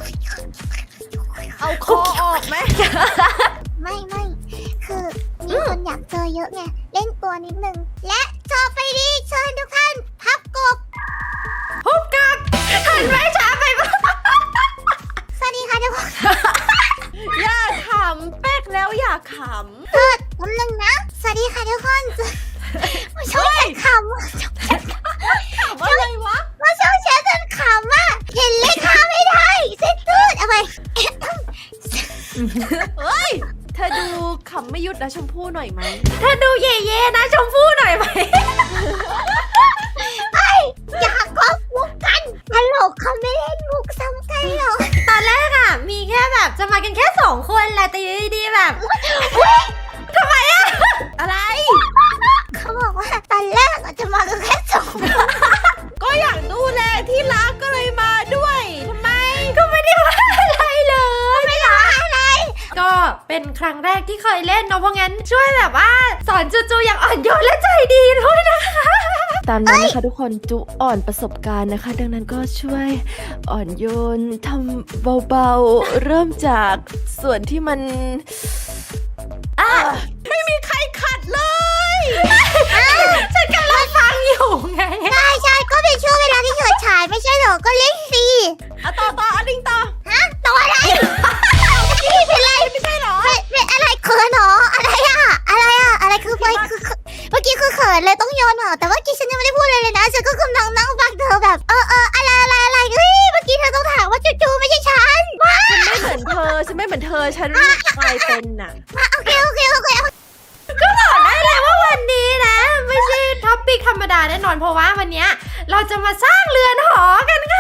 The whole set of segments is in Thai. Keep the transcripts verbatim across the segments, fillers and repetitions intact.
เอาคอออกไหมไม่ไม่คือมีคนอยากเจอเยอะไงเล่นตัวนิดนึงและจอไปดีเชิญทุกท่านพับกบพบกับหันไม่ช้าไปปะสวัสดีค่ะทุกคนอย่าขำแป๊กแล้วอย่าขเกิดกำลังนะสวัสดีค่ะทุกคนมาช่วยฉันขำมาำขำอะไรวะมาช่วยฉันขำอ่ะเห็นเลขาไม่ได้เส้นตืดเอาไปเฮ้ยเธอดูขำไม่หยุดนะชมพู่หน่อยไหมเธอดูเย่ๆนะชมพู่หน่อยไหมไอ้อยากก็มุกกันตลกเขาไม่เล่นมุกซ้ำกันหรอกตอนแรกอะมีแค่แบบจะมากันแค่สองคนแหละแต่อยู่ดีๆแบบทำไมอะอะไรเขาบอกว่าตอนแรกอะจะมากันแค่สองคนก็อยากดูแลที่รักก็เลยมาด้วยทำไมก็ไม่ได้ว่าอะไรเลยไม่ได้อะไรก็เป็นครั้งแรกที่เคยเล่นเนาะเพราะงั้นช่วยแบบว่าสอนจูจูอย่างอ่อนโยนและใจดีด้วยนะคะตามนั้นนะคะทุกคนจูอ่อนประสบการณ์นะคะ ดังนั้นก็ช่วยอ่อนโยนทำเบาๆเริ่มจากส่วนที่มันอ่ะไม่มีใครขัดเลยฉันกำลังฟังอยู่ไงใช่ใช่ก็เป็นช่วงเวลาที่เฉิดฉายไม่ใช่เหรอก็เล่นสิอะต่อต่ออะลิงต่อฮะตัวอะไรนี่เป็นไรไม่ใช่เหรอเป็นเป็นอะไรเขินเหรออะไรอะอะไรอะอะไรคือไปคือคือเมื่อกี้คือเขินเลยต้องโยนเหรอแต่ว่าเมื่อกี้ฉันยังไม่ได้พูดเลยเลยนะฉันก็กำลังนั่งฟังเธอแบบเออเอออะไรอะไรอะไรเฮ้ยเมื่อกี้เธอต้องถามว่าจู่ๆไม่ใช่ฉันว้าฉันไม่เหมือนเธอ ฉันไม่เหมือนเธอ ฉันกลายเป็นน่ะโอเคโอเคโอเคก็บอกได้เลยว่าวันนี้นะ ไม่ใช่ท็อปปิกธรรมดาแน่นอนเพราะว่าวันนี้เราจะมาสร้างเรือนหอกันค่ะ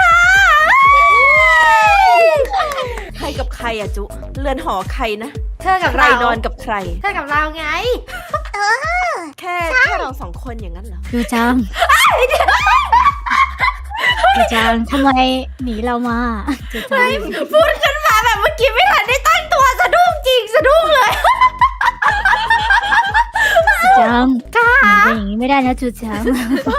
ใครกับใครอะจุ เรือนหอใครนะ เธอกับใครนอนกับใคร เธอกับเราไงเออแค่แค่เราสองคนอย่างนั้นเหรอจูจังจูจังทำไมหนีเรามาจูจังพูดขึ้นมาแบบเมื่อกี้ไม่ทันได้ตั้งตัวสะดุ้งจริงสะดุ้งเลยจูจังหนีไปอย่างนี้ไม่ได้นะจูจัง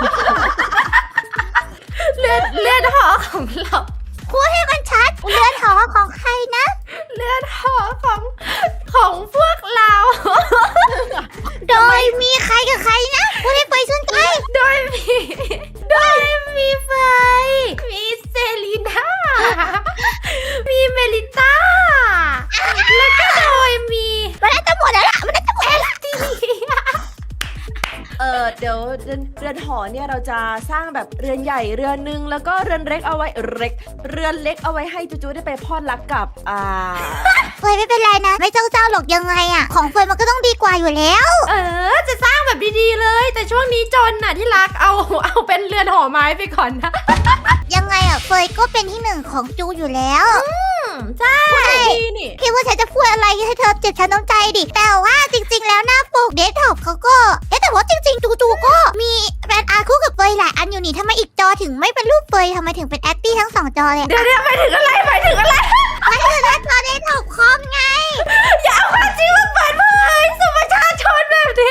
เรือนเรือนหอของเราพูดให้มันชัดเรือนหอของใครนะเรือนหอของของพวกเราโดยมีใครกับใครนะพูดให้ไปสุนใจโดยมีโดยมีเฟยมีเซรีน่า มีเมลิต้า แล้วก็โดยมีมันน่าจะหมดแล้วล่ะมันน่าจะหมดแล้วล่ะเออเดี๋ยวเรือนเรือนหอเนี่ยเราจะสร้างแบบเรือนใหญ่เรือนหนึ่งแล้วก็เรือนเล็กเอาไว้เล็กเรือนเล็กเอาไว้ให้จูจูได้ไปพอดรักกับอ่าเฟยไม่เป็นไรนะ ไม่เจ้าเจ้าหรอกยังไงอะของเฟยมันก็ต้องดีกว่าอยู่แล้วเออจะสร้างแบบดีๆเลย แต่ช่วงนี้จนน่ะที่รักเอาเอาเป็นเรือนหอไม้ไปก่อนนะยังไงอะเฟยก็เป็นที่หนึ่งของจูอยู่แล้วใช่ดีนี่คิดว่าฉันจะพูดอะไรให้เธอเจ็บช้ำน้ำใจดิแต่ว่าจริง ๆ แล้วหน้าปกเดสก์ท็อปเขาก็เอ๊ะแต่ว่าจริงๆจูจูก็มีแบรนด์อาร์คู่กับเฟยหลายอันอยู่นี่ทำไมอีกจอถึงไม่เป็นรูปเฟยทำไมถึงเป็นแอปปี้ทั้งสองจอเลยเดี๋ยวเดี๋ยวไปถึงอะไรไปถึงอะไรไม่คือหน้าจอเดสก์ท็อปคอมไงอย่าเอาความจริงมาเปิดเผยสู่ประชาชนแบบนี้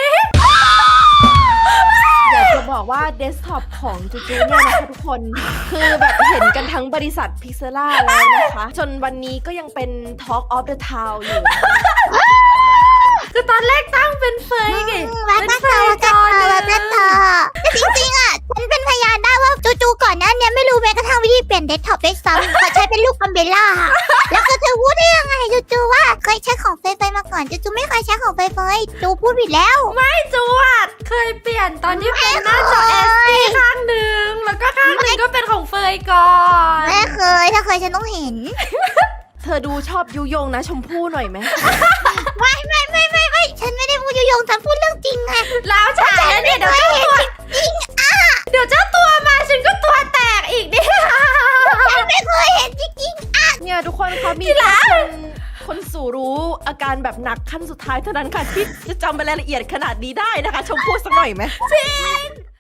อยากจะบอกว่าเดสก์ท็อปของจูจูเนี่ยนะคะทุกคน คือแบบเห็นกันทั้งบริษัทพิกเซล่าแล้วนะคะ จนวันนี้ก็ยังเป็น Talk of the Town อยู่ คือตอนแรกตั้งเป็นเฟยไงวัดหน้าจอวัดหน้าจอวัดหน้าจอแต่จริงๆอ่ะฉันเป็นพยานได้ว่าจูๆก่อนหน้าเนี้ไม่รู้แม้กระทั่งวิธีเปลี่ยนเดสก์ท็อปด้วยซ้ำเขาใช้เป็นลูกอัมเบล่าแล้วก็เธอพูดได้ยังไงจูๆว่าเคยใช้ของเฟยๆมาก่อนจูๆไม่เคยใช้ของเฟยๆจูพูดผิดแล้วไม่จูอ่ะเคยเปลี่ยนตอนที่เป็นหน้าจอ เอส ดี ข้างหนึ่งแล้วก็ข้างหนึ่งก็เป็นของเฟยก่อนไม่เคยถ้าเคยฉันต้องเห็นเธอดูชอบยุยงนะชมพู่หน่อยไหมไม่ไม่ไม่ไม่ไม่ฉันไม่ได้พูดยุยงฉันพูดเรื่องจริงไงแล้วใช่แล้วเนี่ยเดี๋ยวเจ้าตัวเดี๋ยวเจ้าตัวมาฉันก็ตัวแตกอีกเนี่ยฉันไม่เคยเห็นจริงๆอ่ะเนี่ยทุกคนเขามีแค่คนคนสู่รู้อาการแบบหนักขั้นสุดท้ายเท่านั้นค่ะที่จะจำรายละเอียดขนาดนี้ได้นะคะชมพู่สักหน่อยไหมจริง